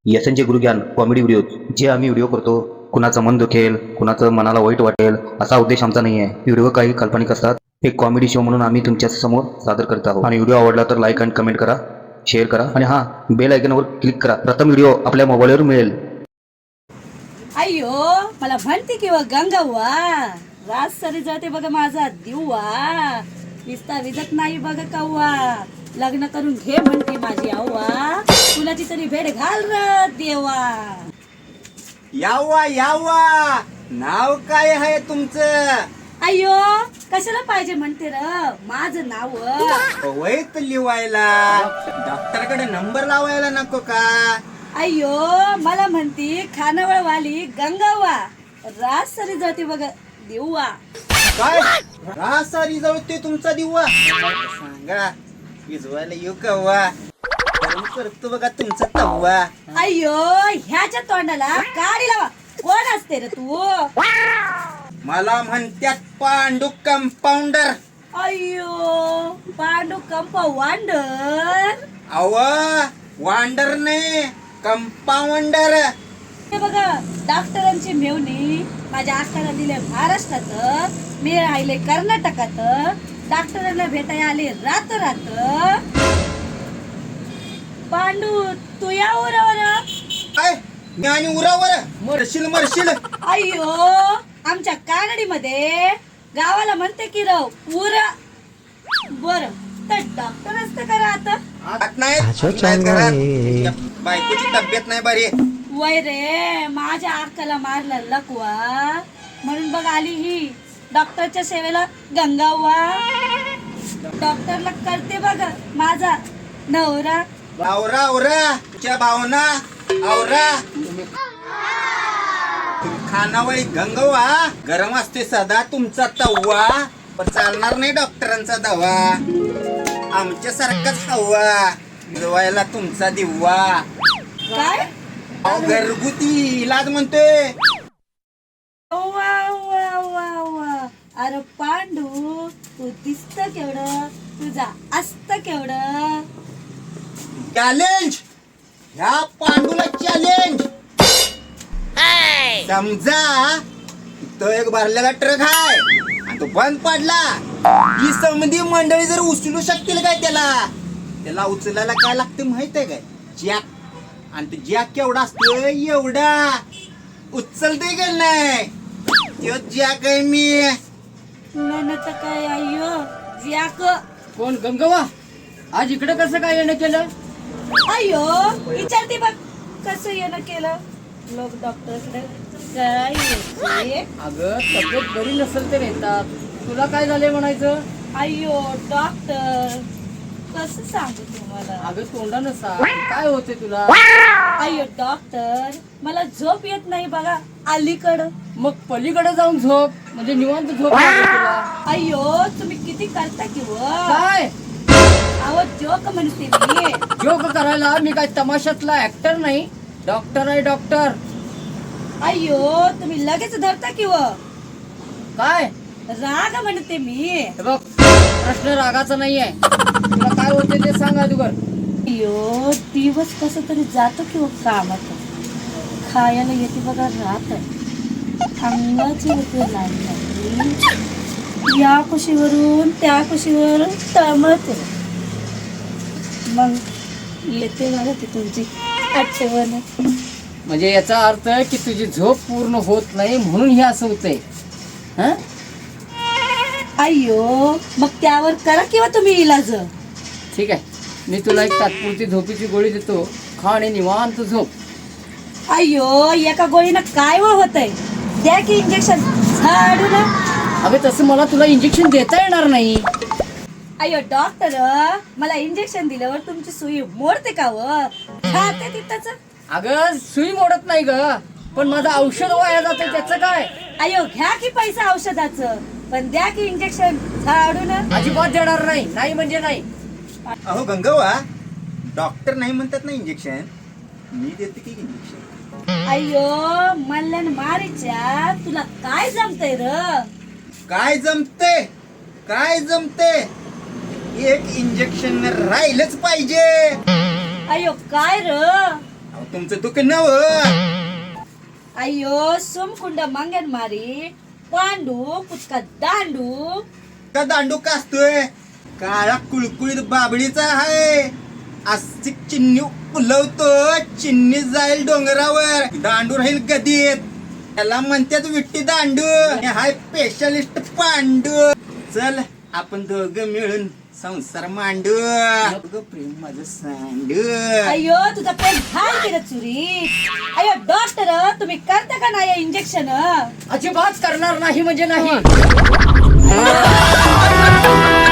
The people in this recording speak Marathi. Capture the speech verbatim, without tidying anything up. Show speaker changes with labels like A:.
A: यशनचे गुरुज्ञान कॉमेडी व्हिडिओ जे आम्ही व्हिडिओ करतो, कुणाचं मन दुखेल, कुणाचं मनाला वाईट वाटेल असा उद्देश आमचा नाही आहे. व्हिडिओ काही काल्पनिक असतात. एक कॉमेडी शो म्हणून आम्ही तुमच्या समोर सादर करत आहोत. आणि व्हिडिओ आवडला तर लाईक आणि कमेंट करा, शेअर करा आणि हां, बेल आयकॉनवर क्लिक करा. प्रथम व्हिडिओ आपल्या मोबाईलवर मिळेल.
B: अय्यो मला म्हणते की व गंगावा रात सरी जाते बघा माझा दिवा विस्ता विजत नाही बघा कव्वा लग्न करून घे म्हणते माझी आव्वा कुणाची तरी भेट घाल र देवा.
C: यावा यावा नाव काय आहे तुमचं?
B: अय्यो कशाला पाहिजे म्हणते र माझं नाव
C: वैत लिवायला डॉक्टरकडे नंबर लावायला नको का?
B: अय्यो मला म्हणती खानावळवाली गंगावा रात सरी जाते बघा दिवा.
C: काय रासारी जळते तुमचा दिवा? सांगा विजवायला येऊ कव्वा करतो बघा तुमचा तव्वा.
B: अय्यो ह्याच्या तोंडाला काडी लावा. कोण असते रे तू?
C: मला म्हणत्यात पांडू कंपाऊंडर.
B: अय्यो पांडू कंपाऊंडर.
C: अव वांडर ने कंपाऊंडर.
B: हे बघा डॉक्टरांची मेवणी माझ्या अक्काला दिले महाराष्ट्रात, मी राहिले कर्नाटकात. डॉक्टरांना भेटायला आले रात रात. पांडू तू या उरावर.
C: काय मी आणि उरावर मरशील मरशील.
B: अय्यो आमच्या कानडीमध्ये गावाला म्हणते की राव उर. बर तर डॉक्टर असतं का आता?
C: आत नाही नाही घरात. बायकोची तब्येत नाही बरी.
B: वय रे माझ्या अक्काला मारला लकवा म्हणून बघ आली ही डॉक्टरच्या सेवेला गंगावा. डॉक्टरला करते बघ माझा नवरा.
C: आवरा आवरा तुझ्या भावना आवरा. खानावळी गंगवा गरम असते सदा तुमचा तव्वा. पण चालणार नाही डॉक्टरांचा दवा. आमच्या सारखाच हवा मिळवायला तुमचा दिवा.
B: काय
C: अहो, घरगुती इलाज म्हणतोय.
B: वा वा वा वा. अरे पांडू तू दिसत केवढं, तुझा असत केवढं.
C: चॅलेंज ह्या पांडूला चॅलेंज. समजा तो एक भरलेला ट्रक आहे आणि तो बंद पडला. ही समधी मंडळी जर उचलू शकतील काय त्याला? त्याला उचलायला काय लागते माहित आहे काय? जॅक. आणि तो जॅक केवढा असतो? एवढा उचलते का नाही? तो जॅक आहे मी.
B: तुला तर काय अय्यो ज्याक.
D: कोण गंगवा? आज इकडे कसं काय येणं केलं?
B: अय्यो विचारते बघ कसं येणं केलं. लोक डॉक्टरकडे काय येते?
D: अगं तब्येत बरी नसेल तर येतात. तुला काय झालंय म्हणायचं?
B: अय्यो डॉक्टर कसं सांगू तुम्हाला.
D: अगं तोंडानं सांग काय होते तुला?
B: अय्यो डॉक्टर मला झोप येत नाही बघा अलीकडं.
D: मग पलीकडे जाऊन झोप म्हणजे निवांत झोप लागेल तुला.
B: अय्यो तुम्ही किती करता की व.
D: काय
B: अहो जोक म्हणते मी.
D: जोक करायला मी काय तमाशातला ऍक्टर नाही, डॉक्टर आहे डॉक्टर.
B: अय्यो तुम्ही लगेच धरता की व.
D: काय
B: राग म्हणते मी.
D: हे बघ प्रश्न रागाचा नाहीये. तुला काय होते ते सांग अगोदर.
B: अय्यो दिवस कसं तरी जातो किंवा कामात खायला येते बघा रात. अंगाची होते लागली या कुशीवरून त्या कुशीवर तळमळते. मग येते बघा ती तुमची आठवण.
D: म्हणजे याचा अर्थ की तुझी झोप पूर्ण होत नाही म्हणून हे असं होतंय. हं?
B: अय्यो मग त्यावर करा किंवा तुम्ही इलाज.
D: ठीक आहे, मी तुला एक तात्पुरती झोपेची गोळी देतो, खा आणि निवांत झोप.
B: अय्यो एका गोळीनं काय व होतंय? द्या की इंजेक्शन झाडू ना.
D: अगं तसं मला तुला इंजेक्शन देता येणार नाही.
B: अय्यो डॉक्टर मला इंजेक्शन दिल्यावर तुमची सुई मोडते का व? खाते तिथंच.
D: अगं सुई मोडत नाही ग, पण माझं औषध वाया जातं त्याचं काय?
B: अय्यो घ्या की पैसा औषधाचं, पण द्या की इंजेक्शन झाडू ना.
D: अजिबात देणार नाही. नाही म्हणजे नाही.
C: अहो गंगवा डॉक्टर नाही म्हणतात ना इंजेक्शन, मी देते की इंजेक्शन.
B: अय्यो मल्ल्यान मारीच्या तुला काय जमतंय र?
C: काय जमते काय जमते? एक इंजेक्शन राहिलंच पाहिजे.
B: अय्यो काय र?
C: अहो, तुमचं दुःख नव
B: अय्यो सोमकुंड मंगन मारी पांडू कुचका दांडू
C: का दांडू कासतोय काळा कुळकुळीत बाबळीचा आहे अशी चिन्नी फुलवतो चिन्नी जाईल डोंगरावर दांडू राहील गदीत त्याला म्हणतात विट्टी दांडू आणि हाय स्पेशलिस्ट पांडू चल आपण दोघं मिळून संसार मांडू दोघं प्रेम माझं सांडू
B: अय्यो तुझा प्रेम घाल केलं चुरी अय्यो डॉक्टर तुम्ही करता का नाही इंजेक्शन
D: अजिबात करणार नाही म्हणजे नाही